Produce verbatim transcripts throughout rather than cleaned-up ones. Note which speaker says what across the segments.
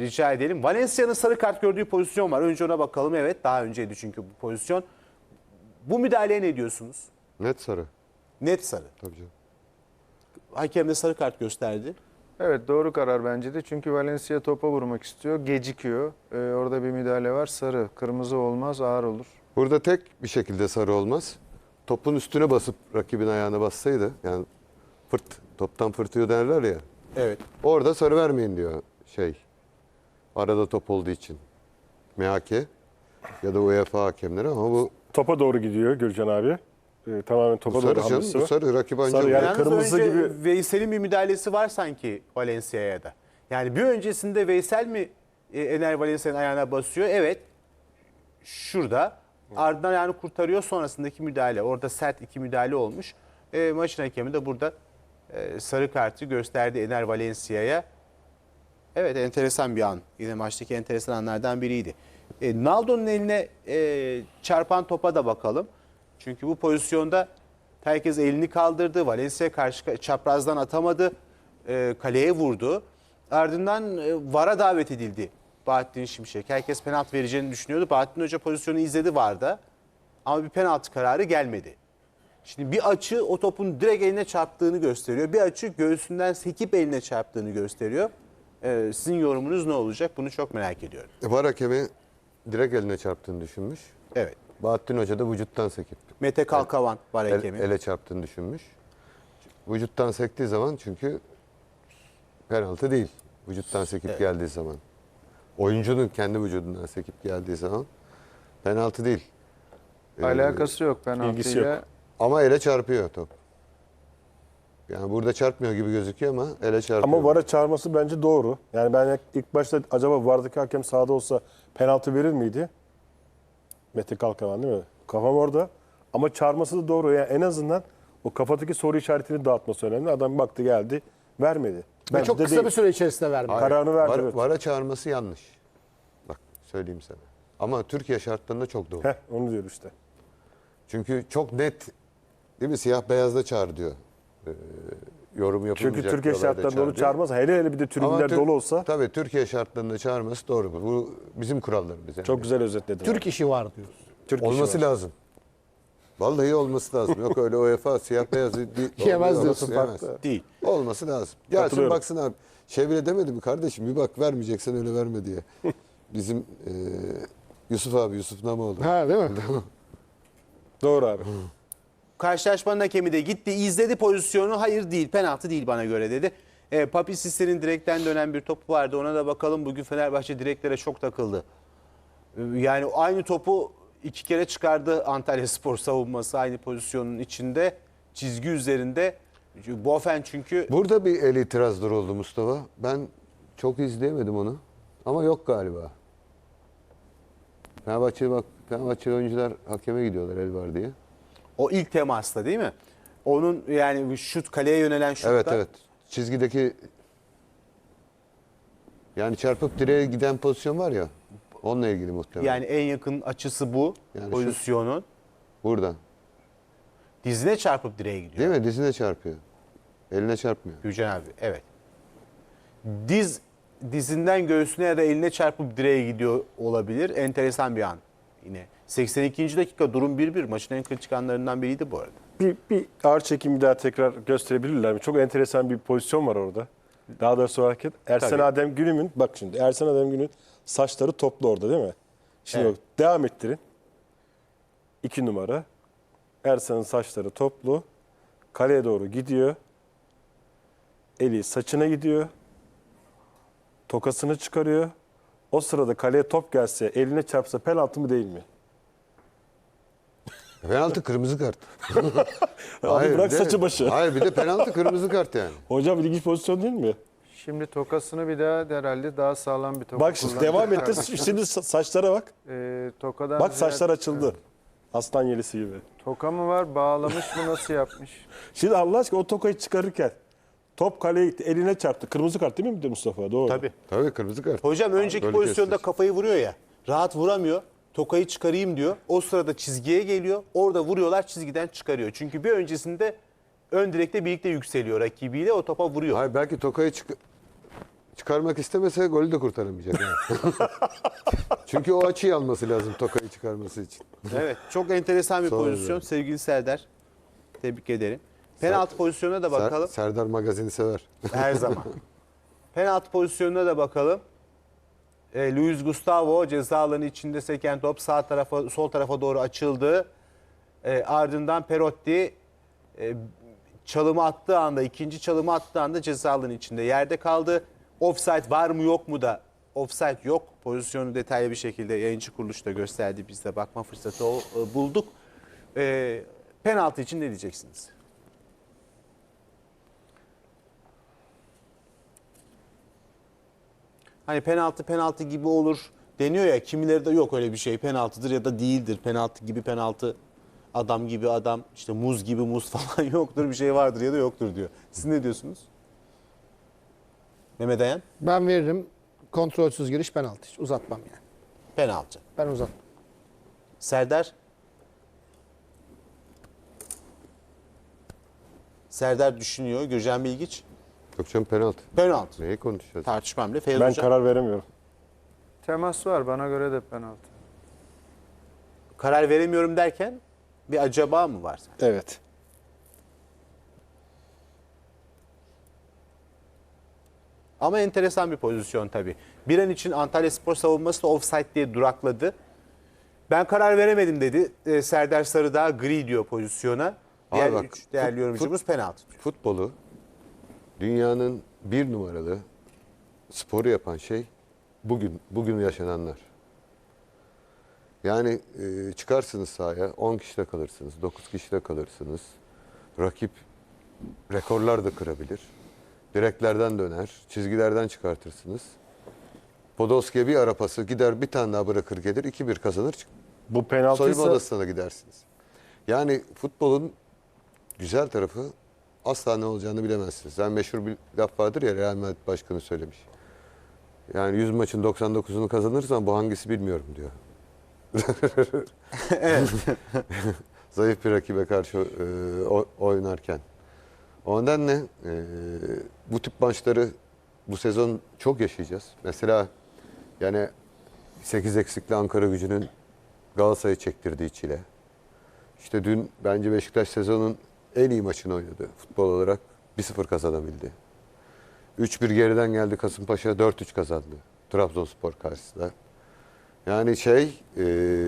Speaker 1: rica edelim. Valencia'nın sarı kart gördüğü pozisyon var. Önce ona bakalım. Evet, daha önceydi çünkü bu pozisyon. Bu müdahaleye ne diyorsunuz?
Speaker 2: Net sarı.
Speaker 1: Net sarı.
Speaker 2: Tabii canım.
Speaker 1: Hakem de sarı kart gösterdi.
Speaker 3: Evet, doğru karar bence de. Çünkü Valencia topa vurmak istiyor. Gecikiyor. Ee, orada bir müdahale var. Sarı. Kırmızı olmaz, ağır olur.
Speaker 2: Burada tek bir şekilde sarı olmaz. Topun üstüne basıp rakibin ayağına bassaydı, yani fırt, toptan fırtıyor derler ya.
Speaker 1: Evet.
Speaker 2: Orada sarı vermeyin diyor şey. Arada top olduğu için. M H K ya da UEFA hakemleri, ama bu
Speaker 4: Topa doğru gidiyor Gürcan abi. Ee, tamamen topa
Speaker 2: bu
Speaker 4: doğru
Speaker 2: sarı canım,
Speaker 4: hamlesi
Speaker 2: bu
Speaker 4: var.
Speaker 2: sarı rakip anca
Speaker 4: Sarı yani
Speaker 1: Yalnız
Speaker 4: kırmızı
Speaker 1: önce
Speaker 4: gibi.
Speaker 1: Veysel'in bir müdahalesi var sanki Valencia'ya da. Yani bir öncesinde Veysel mi e, Ener Valencia'nın ayağına basıyor? Evet. Şurada. Ardından ayağını kurtarıyor. Sonrasındaki müdahale. Orada sert iki müdahale olmuş. E, maçın hakemi de burada e, sarı kartı gösterdi Ener Valencia'ya. Evet, enteresan bir an. Yine maçtaki enteresan anlardan biriydi. E, Naldo'nun eline e, çarpan topa da bakalım. Çünkü bu pozisyonda herkes elini kaldırdı. Valencia karşı çaprazdan atamadı. E, kaleye vurdu. Ardından e, V A R'a davet edildi Bahattin Şimşek. Herkes penaltı vereceğini düşünüyordu. Bahattin Hoca pozisyonu izledi V A R'da. Ama bir penaltı kararı gelmedi. Şimdi bir açı o topun direkt eline çarptığını gösteriyor. Bir açı göğsünden sekip eline çarptığını gösteriyor. Ee, sizin yorumunuz ne olacak? Bunu çok merak ediyorum.
Speaker 2: V A R hakemi direkt eline çarptığını düşünmüş.
Speaker 1: Evet.
Speaker 2: Bahattin Hoca da vücuttan sekip
Speaker 1: Mete Kalkavan var
Speaker 2: el,
Speaker 1: hakemi.
Speaker 2: ele çarptığını düşünmüş. Vücuttan sektiği zaman, çünkü penaltı değil. Vücuttan sekip
Speaker 1: Evet.
Speaker 2: geldiği zaman. Oyuncunun kendi vücudundan sekip geldiği zaman penaltı değil. Ee,
Speaker 3: Alakası yok
Speaker 4: ilgisi
Speaker 3: penaltıyla.
Speaker 4: yok.
Speaker 2: Ama ele çarpıyor top. Yani burada çarpmıyor gibi gözüküyor ama ele çarpıyor.
Speaker 4: Ama V A R'a çağırması bence doğru. Yani ben ilk başta acaba V A R'daki hakem sahada olsa penaltı verir miydi? Mete Kalkavan değil mi? Kafam orada. Ama çağırması da doğru. Yani en azından o kafadaki soru işaretini dağıtması önemli. Adam baktı geldi, vermedi.
Speaker 5: Ve
Speaker 4: Bence
Speaker 5: çok
Speaker 4: de
Speaker 5: kısa
Speaker 4: değil.
Speaker 5: bir süre içerisinde vermedi.
Speaker 2: Hayır,
Speaker 4: kararını verdi,
Speaker 2: var-
Speaker 4: evet.
Speaker 2: vara çağırması yanlış. Bak söyleyeyim sana. Ama Türkiye şartlarında çok doğru.
Speaker 4: Heh, onu diyor işte.
Speaker 2: Çünkü çok net, değil mi? Siyah beyazda çağır diyor. Ee, yorum yapılmayacak.
Speaker 4: Çünkü Türkiye
Speaker 2: diyorlar da
Speaker 4: şartlarında onu
Speaker 2: çağır diyor.
Speaker 4: çağırmaz. Hele hele bir de
Speaker 2: Ama
Speaker 4: tribünler
Speaker 2: Tür-
Speaker 4: dolu olsa
Speaker 2: Tabii Türkiye şartlarında çağırması doğru. Bu bizim kurallarımız. Yani.
Speaker 4: çok güzel özetledin.
Speaker 5: Türk işi var diyoruz.
Speaker 4: Türk işi
Speaker 2: Olması
Speaker 4: var.
Speaker 2: lazım. Vallahi olması lazım. Yok öyle UEFA siyah beyaz değil.
Speaker 5: Yemez
Speaker 2: olması
Speaker 5: diyorsun,
Speaker 2: yemez.
Speaker 5: farklı.
Speaker 1: Değil.
Speaker 2: Olması lazım. Gelsin
Speaker 4: Katılıyorum.
Speaker 2: baksın abi. Şey bile demedi mi kardeşim, bir bak, vermeyeceksen öyle verme diye. Bizim e, Yusuf abi, Yusuf Namoğlu.
Speaker 5: Ha değil mi?
Speaker 4: Doğru abi.
Speaker 1: Karşılaşmanın hakemi de gitti, izledi pozisyonu. Hayır değil, penaltı değil bana göre dedi. E, Papi Sisse'nin direkten dönen bir topu vardı. Ona da bakalım. Bugün Fenerbahçe direklere çok takıldı. E, Yani aynı topu iki kere çıkardı Antalyaspor savunması aynı pozisyonun içinde. Çizgi üzerinde. Bofen çünkü
Speaker 2: Burada bir el itirazları oldu Mustafa. Ben çok izleyemedim onu. Ama yok galiba. Fenerbahçe bak, Fenerbahçe oyuncular hakeme gidiyorlar el var diye.
Speaker 1: o ilk temasta değil mi? Onun yani şut, kaleye yönelen şutta.
Speaker 2: Evet evet. Çizgideki, yani çarpıp direğe giden pozisyon var ya. Onunla ilgili muhtemelen.
Speaker 1: Yani en yakın açısı bu
Speaker 2: Yani şu-
Speaker 1: pozisyonun.
Speaker 2: Buradan.
Speaker 1: Dizine çarpıp direğe gidiyor.
Speaker 2: Değil mi? Dizine çarpıyor. Eline çarpmıyor.
Speaker 1: Gülcan abi, evet. Diz dizinden göğsüne ya da eline çarpıp direğe gidiyor olabilir. Enteresan bir an yine. seksen ikinci dakika durum bir bir. Maçın en kritik anlarından biriydi bu arada.
Speaker 4: Bir, bir ağır çekim bir daha tekrar gösterebilirler mi? Çok enteresan bir pozisyon var orada. Daha doğrusu hareket. Ersen
Speaker 1: Tabii.
Speaker 4: Adem Günüm'ün, bak şimdi Ersen Adem Günüm'ün saçları toplu orada değil mi? Şimdi
Speaker 1: Evet.
Speaker 4: bak, devam ettirin. İki numara. Ersan'ın saçları toplu. Kaleye doğru gidiyor. Eli saçına gidiyor. Tokasını çıkarıyor. O sırada kaleye top gelse, eline çarpsa penaltı mı değil mi?
Speaker 2: Penaltı, kırmızı kart.
Speaker 4: Abi bırak
Speaker 2: bir de-
Speaker 4: saçı başı.
Speaker 2: Hayır, bir de penaltı, kırmızı kart yani.
Speaker 4: Hocam ilginç pozisyon değil mi?
Speaker 3: Şimdi tokasını bir daha herhalde daha sağlam bir toka
Speaker 4: Bak şimdi
Speaker 3: kullandı.
Speaker 4: devam etti. Şimdi sa- saçlara bak.
Speaker 3: Ee, tokadan
Speaker 4: Bak
Speaker 3: ziyade-
Speaker 4: saçlar açıldı. Aslan yelisi gibi.
Speaker 3: Toka mı var? Bağlamış mı? Nasıl yapmış?
Speaker 4: Şimdi Allah aşkına o tokayı çıkarırken top kaleye gitti. Eline çarptı. Kırmızı kart değil mi Mustafa? Doğru.
Speaker 1: Tabii.
Speaker 2: Tabii kırmızı kart.
Speaker 1: Hocam önceki
Speaker 2: Böyle
Speaker 1: pozisyonda
Speaker 2: kestir.
Speaker 1: kafayı vuruyor ya. Rahat vuramıyor. Tokayı çıkarayım diyor. O sırada çizgiye geliyor. Orada vuruyorlar, çizgiden çıkarıyor. Çünkü bir öncesinde ön direkte birlikte yükseliyor rakibiyle, o topa vuruyor.
Speaker 2: Hayır, belki tokayı çık çıkarmak istemese golü de kurtaramayacak. Yani. Çünkü o açıyı alması lazım Tokay'ı çıkarması için.
Speaker 1: Evet. Çok enteresan bir
Speaker 2: Sonra
Speaker 1: pozisyon.
Speaker 2: yani.
Speaker 1: Sevgili Serdar. Tebrik ederim. Penaltı pozisyonuna da
Speaker 2: Ser-
Speaker 1: bakalım.
Speaker 2: Serdar magazini sever.
Speaker 1: Her zaman. Penaltı pozisyonuna da bakalım. E, Luis Gustavo ceza alanı içinde seken top sağ tarafa sol tarafa doğru açıldı. E, ardından Perotti e, çalımı attığı anda, ikinci çalımı attığı anda ceza alanı içinde yerde kaldı. Offside var mı yok mu da offside yok. Pozisyonu detaylı bir şekilde yayıncı kuruluş da gösterdi. Biz de bakma fırsatı o, e, bulduk. E, penaltı için ne diyeceksiniz? Hani penaltı penaltı gibi olur deniyor ya, kimileri de yok öyle bir şey, penaltıdır ya da değildir. Penaltı gibi penaltı, adam gibi adam, işte muz gibi muz falan yoktur, bir şey vardır ya da yoktur diyor. Siz ne diyorsunuz? Mehmet Ayan?
Speaker 5: Ben veririm. Kontrolsüz giriş penaltı. Hiç uzatmam yani.
Speaker 1: Penaltı.
Speaker 5: Ben uzatmam.
Speaker 1: Serdar? Serdar düşünüyor. Gürcan Bilgiç?
Speaker 2: Yok canım penaltı.
Speaker 1: Penaltı.
Speaker 2: Neyi konuşacağız?
Speaker 1: Tartışmam bile. Feyyaz
Speaker 4: Ben
Speaker 1: Hocam?
Speaker 4: karar veremiyorum.
Speaker 3: Temas var, bana göre de penaltı.
Speaker 1: Karar veremiyorum derken bir acaba mı var?
Speaker 4: Evet.
Speaker 1: Ama enteresan bir pozisyon tabii. Bir an için Antalyaspor savunması da offside diye durakladı. Ben karar veremedim dedi. Ee, Serdar Sarıdağ gri diyor pozisyona. Diğer
Speaker 2: bak,
Speaker 1: üç değerli
Speaker 2: fut-
Speaker 1: yorumcumuz penaltı diyor.
Speaker 2: Futbolu dünyanın bir numaralı sporu yapan şey bugün bugün yaşananlar. Yani e, çıkarsınız sahaya on kişide kalırsınız, dokuz kişide kalırsınız. Rakip rekorlar da kırabilir. Direklerden döner, çizgilerden çıkartırsınız. Podolski'ye bir ara pası gider, bir tane daha bırakır gelir, iki bir kazanır. çık-
Speaker 4: Bu
Speaker 2: Soyunma
Speaker 4: penaltıysa
Speaker 2: odasına da gidersiniz. Yani futbolun güzel tarafı asla ne olacağını bilemezsiniz. Yani meşhur bir laf vardır ya, Real Madrid başkanı söylemiş. Yani yüz maçın doksan dokuzunu kazanırsan bu hangisi bilmiyorum diyor. Zayıf bir rakibe karşı e, o- oynarken. O nedenle e, bu tip maçları bu sezon çok yaşayacağız. Mesela yani sekiz eksikli Ankara Gücü'nün Galatasaray'ı çektirdiği çile. İşte dün bence Beşiktaş sezonun en iyi maçını oynadı. Futbol olarak bir sıfır kazanabildi. üç bir geriden geldi Kasımpaşa, dört üç kazandı Trabzonspor karşısında. Yani şey e,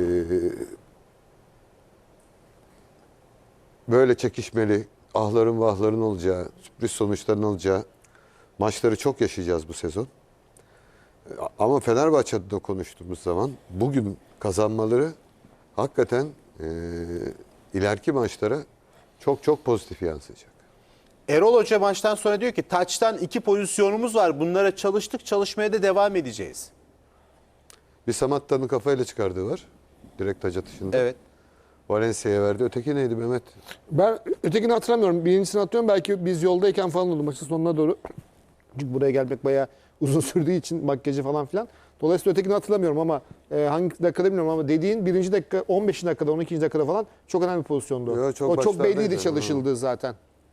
Speaker 2: böyle çekişmeli, ahların vahların olacağı, sürpriz sonuçların olacağı maçları çok yaşayacağız bu sezon. Ama Fenerbahçe adına konuştuğumuz zaman bugün kazanmaları hakikaten e, ileriki maçlara çok çok pozitif yansıyacak.
Speaker 1: Erol Hoca maçtan sonra diyor ki taçtan iki pozisyonumuz var. Bunlara çalıştık, çalışmaya da devam edeceğiz.
Speaker 2: Bir Samatta'nın kafayla çıkardığı var. Direkt taç atışında.
Speaker 1: Evet.
Speaker 2: Valencia'ya verdi. Öteki neydi Mehmet?
Speaker 5: Ben ötekini hatırlamıyorum. Birincisini hatırlıyorum. Belki biz yoldayken falan oldu maçın sonuna doğru. Çünkü buraya gelmek bayağı uzun sürdüğü için makyajı falan filan. Dolayısıyla ötekini hatırlamıyorum ama e, hangi dakikada bilmiyorum ama dediğin birinci dakika on beşinci dakikada on ikinci dakikada falan çok önemli bir pozisyondu.
Speaker 2: Yo, çok
Speaker 5: o çok
Speaker 2: başlardaydı
Speaker 5: belliydi
Speaker 2: ama.
Speaker 5: çalışıldığı zaten.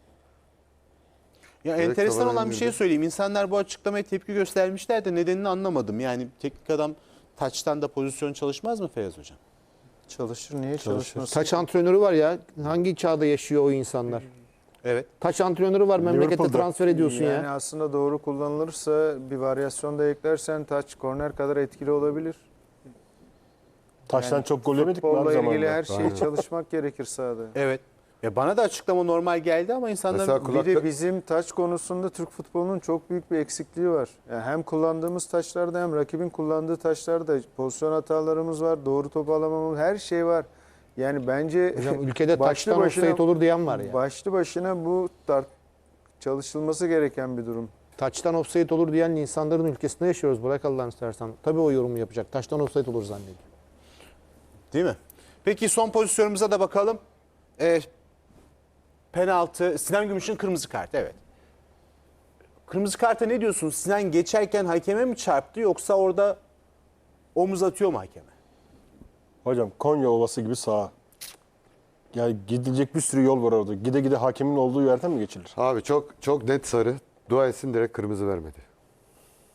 Speaker 1: Ya
Speaker 2: Direkt
Speaker 1: enteresan
Speaker 2: tabanaya
Speaker 1: olan bir şey
Speaker 2: girdi.
Speaker 1: söyleyeyim. İnsanlar bu açıklamaya tepki göstermişler de nedenini anlamadım. Yani teknik adam taçtan da pozisyon çalışmaz mı Feyyaz Hocam?
Speaker 3: Çalışır, niye çalışmasın?
Speaker 5: Taç antrenörü var ya. Hangi çağda yaşıyor o insanlar?
Speaker 1: Evet.
Speaker 5: Taç antrenörü var. Memlekette
Speaker 4: Liverpool'da.
Speaker 5: transfer ediyorsun
Speaker 3: Yani
Speaker 5: ya.
Speaker 3: aslında doğru kullanılırsa bir varyasyon da eklersen taç korner kadar etkili olabilir.
Speaker 4: taştan
Speaker 3: Yani
Speaker 4: çok gol yemedik mi abi
Speaker 3: Futbolla ilgili
Speaker 4: zamanında?
Speaker 3: her şeyi çalışmak gerekir sahada.
Speaker 1: Evet. Ya bana da açıklama normal geldi ama insanlar
Speaker 2: Mesela kulak-
Speaker 3: Bir de bizim taç konusunda Türk futbolunun çok büyük bir eksikliği var. Yani hem kullandığımız taçlarda hem rakibin kullandığı taçlarda pozisyon hatalarımız var, doğru top alamamamız, her şey var. Yani bence
Speaker 5: Hocam ülkede
Speaker 3: başlı
Speaker 5: taçtan
Speaker 3: başına-
Speaker 5: offside olur diyen var ya.
Speaker 3: başlı başına bu tar- çalışılması gereken bir durum.
Speaker 5: Taçtan offside olur diyen insanların ülkesinde yaşıyoruz. Bırak Allah'ını istersen. Tabii o yorumu yapacak. Taçtan offside olur zannediyor.
Speaker 1: değil mi? Peki son pozisyonumuza da bakalım. Ee, penaltı. Sinan Gümüş'ün kırmızı kartı. Evet. Kırmızı karta ne diyorsun? Sinan geçerken hakeme mi çarptı yoksa orada omuz atıyor mu hakeme?
Speaker 4: Hocam Konya Ovası gibi sağa. Yani gidilecek bir sürü yol var orada. Gide gide hakemin olduğu yerden mi geçilir?
Speaker 2: Abi çok çok net sarı. Dua etsin direkt kırmızı vermedi.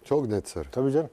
Speaker 2: Çok net sarı.
Speaker 4: Tabii canım.